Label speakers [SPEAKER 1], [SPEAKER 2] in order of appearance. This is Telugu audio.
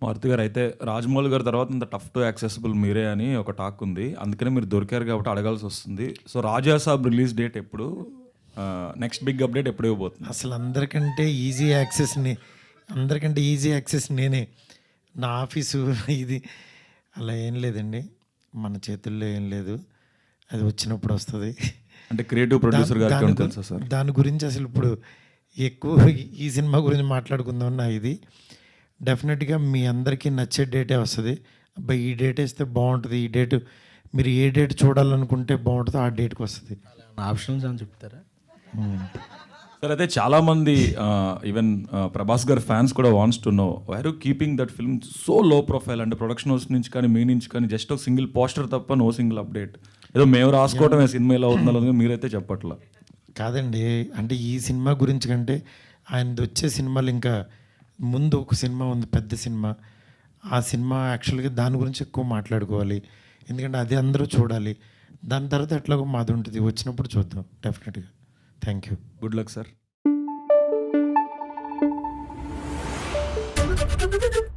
[SPEAKER 1] మారుతి గారు అయితే రాజమౌళి గారి తర్వాత ఇంత టఫ్ టు యాక్సెసిబుల్ మీరే అని ఒక టాక్ ఉంది. అందుకనే మీరు దొరికారు కాబట్టి అడగాల్సి వస్తుంది. So Raja Saab release date ఎప్పుడు, నెక్స్ట్ బిగ్ అప్డేట్ ఎప్పుడు ఇవ్వబోతుంది?
[SPEAKER 2] అసలు అందరికంటే ఈజీ యాక్సెస్ నేనే. నా ఆఫీసు ఇది అలా ఏం లేదండి, మన చేతుల్లో ఏం లేదు, అది వచ్చినప్పుడు వస్తుంది.
[SPEAKER 1] అంటే క్రియేటివ్ ప్రొడ్యూసర్ గారికి ఏమైనా తెలుసా సార్?
[SPEAKER 2] దాని గురించి అసలు ఇప్పుడు ఎక్కువ ఈ సినిమా గురించి మాట్లాడుకుందాం. నా ఇది డెఫినెట్గా మీ అందరికీ నచ్చే డేటే వస్తుంది. అబ్బాయి ఈ డేట్ వేస్తే బాగుంటుంది, ఈ డేట్ మీరు ఏ డేట్ చూడాలనుకుంటే బాగుంటుందో ఆ డేట్కి వస్తుంది.
[SPEAKER 3] ఆప్షన్స్ అని చెప్తారా
[SPEAKER 1] సార్? అయితే చాలామంది ఈవెన్ ప్రభాస్ గారి ఫ్యాన్స్ కూడా wants to know why are you keeping that film so low profile? అంటే ప్రొడక్షన్ హౌస్ నుంచి కానీ మీ నుంచి కానీ జస్ట్ ఒక సింగిల్ పోస్టర్ తప్ప నో సింగిల్ అప్డేట్. ఏదో మేము రాసుకోవటమే సినిమా ఎలా అవుతుందో మీరైతే చెప్పట్లా.
[SPEAKER 2] కాదండి, అంటే ఈ సినిమా గురించి కంటే ఆయనది వచ్చే సినిమాలు ఇంకా ముందు ఒక సినిమా ఉంది, పెద్ద సినిమా. ఆ సినిమా యాక్చువల్గా దాని గురించి ఎక్కువ మాట్లాడుకోవాలి, ఎందుకంటే అది అందరూ చూడాలి. దాని తర్వాత ఎట్లాగో మాది ఉంటుంది, వచ్చినప్పుడు చూద్దాం డెఫినెట్గా. Thank you,
[SPEAKER 1] good luck sir.